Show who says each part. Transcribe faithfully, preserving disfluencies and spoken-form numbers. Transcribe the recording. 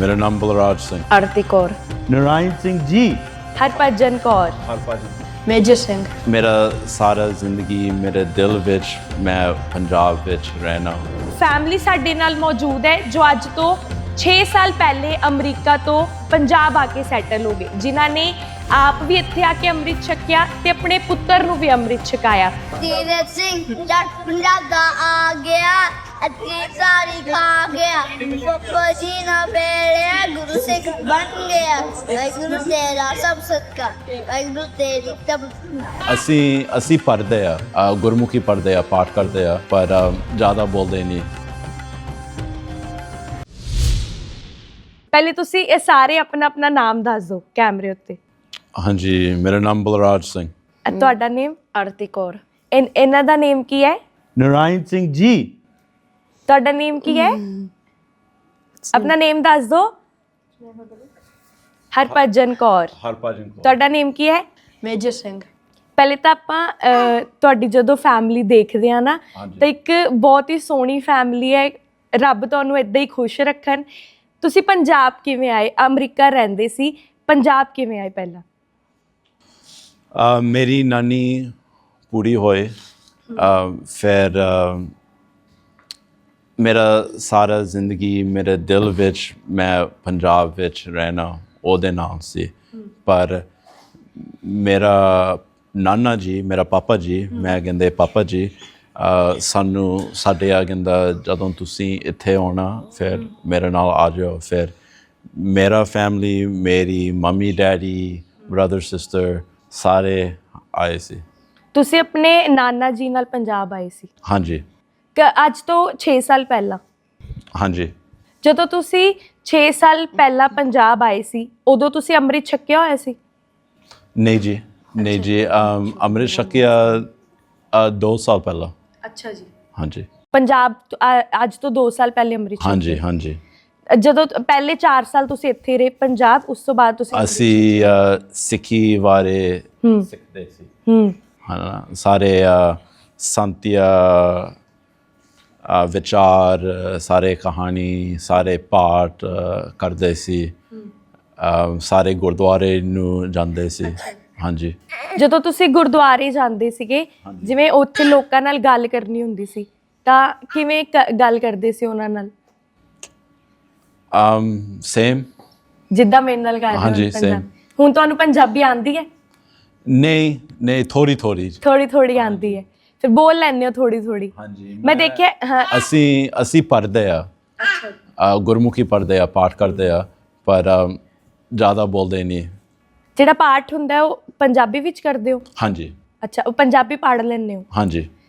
Speaker 1: ਮੇਰਾ ਨਾਮ ਬਲਰਾਜ ਸਿੰਘ।
Speaker 2: ਆਰਤੀ ਕੌਰ,
Speaker 3: ਨਰਾਇਣ ਸਿੰਘ ਜੀ,
Speaker 2: ਹਰਭਜਨ ਕੌਰ,
Speaker 4: ਮੇਜਰ ਸਿੰਘ।
Speaker 1: ਮੇਰਾ ਸਾਰਾ ਜ਼ਿੰਦਗੀ ਮੇਰੇ ਦਿਲ ਵਿੱਚ ਮੈਂ ਪੰਜਾਬ ਵਿੱਚ ਰਹਿਣਾ।
Speaker 2: ਫੈਮਿਲੀ ਸਾਡੇ ਨਾਲ ਮੌਜੂਦ ਹੈ ਜੋ ਅੱਜ ਤੋਂ ਛੇ ਸਾਲ ਪਹਿਲੇ ਅਮਰੀਕਾ ਤੋਂ ਪੰਜਾਬ ਆ ਕੇ ਸੈਟਲ ਹੋ ਗਏ, ਜਿਨ੍ਹਾਂ ਨੇ ਆਪ ਵੀ ਇੱਥੇ ਆ ਕੇ ਅੰਮ੍ਰਿਤ ਛਕਿਆ ਤੇ ਆਪਣੇ ਪੁੱਤਰ ਨੂੰ ਵੀ ਅੰਮ੍ਰਿਤ ਛਕਾਇਆ।
Speaker 5: ਤੀਰਥ ਸਿੰਘ ਜੱਟ ਪੰਜਾਬ ਦਾ ਆ ਗਿਆ, ਅੱਤੀ ਸਾਰੀ ਖਾ ਗਿਆ, ਪੱਪਾ ਜੀ ਨਾ ਬੇੜਿਆ, ਗੁਰੂ ਸਿੱਖ ਬਣ ਗਿਆ। ਵਾਹਿਗੁਰੂ ਤੇਰਾ ਸਭ ਸਦਕਾ, ਵਾਹਿਗੁਰੂ ਤੇਰੀ ਤਬ।
Speaker 1: ਅਸੀਂ ਅਸੀਂ ਪੜ੍ਹਦੇ ਆ, ਅ, ਗੁਰਮੁਖੀ ਪੜ੍ਹਦੇ ਆ, ਪਾਠ ਕਰਦੇ ਆ, ਪਰ ਅ, ਜ਼ਿਆਦਾ ਬੋਲਦੇ ਨਹੀਂ।
Speaker 2: ਪਹਿਲੇ ਤੁਸੀਂ ਇਹ ਸਾਰੇ ਆਪਣਾ ਆਪਣਾ ਨਾਮ ਦੱਸ ਦਿਓ ਕੈਮਰੇ ਉੱਤੇ।
Speaker 1: ਹਾਂਜੀ, ਮੇਰਾ ਨਾਮ ਬਲਰਾਜ ਸਿੰਘ।
Speaker 2: ਅ, ਤੁਹਾਡਾ ਨੇਮ?
Speaker 4: ਆਰਤੀ ਕੌਰ।
Speaker 2: ਇਨ- ਇਹਨਾਂ ਦਾ ਨੇਮ ਕੀ ਹੈ?
Speaker 3: ਨਰਾਇਣ ਸਿੰਘ ਜੀ,
Speaker 2: ਤੁਹਾਡਾ ਨੇਮ ਕੀ ਹੈ? ਆਪਣਾ ਨੇਮ ਦੱਸ ਦਿਓ। ਹਰਭਜਨ ਕੌਰ।
Speaker 1: ਹਰਭਜਨ ਕੌਰ।
Speaker 2: ਤੁਹਾਡਾ ਨੇਮ ਕੀ ਹੈ?
Speaker 4: ਮੇਜਰ ਸਿੰਘ।
Speaker 2: ਪਹਿਲੇ ਤਾਂ ਆਪਾਂ ਅਹ, ਤੁਹਾਡੀ ਜਦੋਂ ਫੈਮਿਲੀ ਦੇਖਦੇ ਆ ਨਾ
Speaker 1: ਹਾਂਜੀ।
Speaker 2: ਤਾਂ ਇੱਕ ਬਹੁਤ ਹੀ ਸੋਹਣੀ ਫੈਮਿਲੀ ਹੈ। ਰੱਬ ਤੁਹਾਨੂੰ ਇਦਾਂ ਹੀ ਖੁਸ਼ ਰੱਖਣ। ਤੁਸੀਂ ਪੰਜਾਬ ਕਿਵੇਂ ਆਏ? ਅਮਰੀਕਾ ਰਹਿੰਦੇ ਸੀ, ਪੰਜਾਬ ਕਿਵੇਂ ਆਏ ਪਹਿਲਾਂ?
Speaker 1: ਅ, ਮੇਰੀ ਨਾਨੀ ਪੂਰੀ ਹੋਏ, ਅ, ਫਿਰ ਅ, ਮੇਰਾ ਸਾਰਾ ਜ਼ਿੰਦਗੀ ਮੇਰੇ ਦਿਲ ਵਿੱਚ ਮੈਂ ਪੰਜਾਬ ਵਿੱਚ ਰਹਿਣਾ ਉਹਦੇ ਨਾਲ ਸੀ। ਪਰ ਮੇਰਾ ਨਾਨਾ ਜੀ, ਮੇਰਾ ਪਾਪਾ ਜੀ, ਮੈਂ ਕਹਿੰਦੇ ਪਾਪਾ ਜੀ, ਅ, ਸਾਨੂੰ ਸਾਡੇ ਆ ਕਹਿੰਦਾ ਜਦੋਂ ਤੁਸੀਂ ਇੱਥੇ ਆਉਣਾ ਫਿਰ ਮੇਰੇ ਨਾਲ ਆ ਜਾਓ। ਫਿਰ ਮੇਰਾ ਫੈਮਿਲੀ, ਮੇਰੀ ਮੰਮੀ ਡੈਡੀ, ਬ੍ਰਦਰ ਸਿਸਟਰ ਸਾਰੇ ਆਏ ਸੀ।
Speaker 2: ਤੁਸੀਂ ਆਪਣੇ ਨਾਨਾ ਜੀ ਨਾਲ ਪੰਜਾਬ ਆਏ ਸੀ
Speaker 1: ਹਾਂਜੀ
Speaker 2: ਕਿ ਅੱਜ ਤੋਂ ਛੇ ਸਾਲ ਪਹਿਲਾਂ?
Speaker 1: ਹਾਂਜੀ।
Speaker 2: ਜਦੋਂ ਤੁਸੀਂ ਛੇ ਸਾਲ ਪਹਿਲਾਂ ਪੰਜਾਬ ਆਏ ਸੀ ਉਦੋਂ ਤੁਸੀਂ ਅੰਮ੍ਰਿਤ ਛਕਿਆ ਹੋਇਆ ਸੀ?
Speaker 1: ਨਹੀਂ ਜੀ, ਨਹੀਂ ਜੀ, ਅਮ, ਅੰਮ੍ਰਿਤ ਛਕਿਆ ਅ, ਦੋ ਸਾਲ ਪਹਿਲਾਂ।
Speaker 2: ਅੱਛਾ ਜੀ।
Speaker 1: ਹਾਂਜੀ
Speaker 2: ਪੰਜਾਬ ਤੋਂ- ਅ, ਅੱਜ ਤੋਂ ਦੋ ਸਾਲ ਪਹਿਲੇ ਅੰਮ੍ਰਿਤ ਛਕਿਆ।
Speaker 1: ਹਾਂਜੀ ਹਾਂਜੀ।
Speaker 2: ਜਦੋਂ ਤ- ਪਹਿਲੇ ਚਾਰ ਸਾਲ ਤੁਸੀਂ ਇੱਥੇ ਰਹੇ ਪੰਜਾਬ, ਉਸ ਤੋਂ ਬਾਅਦ ਤੁਸੀਂ ਅੰਮ੍ਰਿਤ
Speaker 1: ਅਸੀਂ ਅ, ਸਿੱਖੀ ਬਾਰੇ
Speaker 2: ਹੂੰ
Speaker 1: ਸਿੱਖਦੇ ਸੀ,
Speaker 2: ਹੂੰ
Speaker 1: ਹਨਾ। ਸਾਰੇ ਅ, ਸੰਤਿਆ ਅ, ਵਿਚਾਰ, ਅ, ਸਾਰੇ ਕਹਾਣੀ, ਸਾਰੇ ਪਾਠ ਅ, ਕਰਦੇ ਸੀ। ਅ, ਸਾਰੇ ਗੁਰਦੁਆਰੇ ਨੂੰ ਜਾਂਦੇ ਸੀ। ਹਾਂਜੀ।
Speaker 2: ਜਦੋਂ ਤੁਸੀਂ ਗੁਰਦੁਆਰੇ ਜਾਂਦੇ ਸੀਗੇ, ਜਿਵੇਂ ਉੱਥੇ ਲੋਕਾਂ ਨਾਲ ਗੱਲ ਕਰਨੀ ਹੁੰਦੀ ਸੀ ਤਾਂ ਕਿਵੇਂ ਕ- ਗੱਲ ਕਰਦੇ ਸੀ ਉਹਨਾਂ ਨਾਲ?
Speaker 1: Um same.
Speaker 2: ਜਿੱਦਾਂ ਮੇਰੇ ਨਾਲ ਗੱਲ
Speaker 1: ਹਾਂਜੀ, same।
Speaker 2: ਹੁਣ ਤੁਹਾਨੂੰ ਪੰਜਾਬੀ ਆਉਂਦੀ ਹੈ?
Speaker 1: ਨਹੀਂ ਨਹੀਂ, ਥੋੜੀ ਥੋੜੀ।
Speaker 2: ਥੋੜੀ ਥੋੜੀ ਆਉਂਦੀ ਹੈ, ਫਿਰ ਬੋਲ ਲੈਂਦੇ ਹੋ ਥੋੜੀ ਥੋੜੀ?
Speaker 1: ਹਾਂਜੀ।
Speaker 2: ਮੈਂ ਦੇਖਿਆ। ਹਾਂ।
Speaker 1: ਅਸੀਂ ਅਸੀਂ ਪੜ੍ਹਦੇ ਆ, ਅ, ਗੁਰਮੁਖੀ ਪੜ੍ਹਦੇ ਆ, ਪਾਠ ਕਰਦੇ ਆ, ਪਰ ਅ, ਜ਼ਿਆਦਾ ਬੋਲਦੇ ਨਹੀਂ।
Speaker 2: ਜਿਹੜਾ ਪਾਠ ਹੁੰਦਾ ਹੈ ਉਹ ਪੰਜਾਬੀ ਵਿੱਚ ਕਰਦੇ ਹੋ?
Speaker 1: ਹਾਂਜੀ
Speaker 2: ਅੱਛਾ, ਉਹ ਪੰਜਾਬੀ ਪੜ੍ਹ ਲੈਂਦੇ ਹੋ?
Speaker 1: ਹਾਂਜੀ।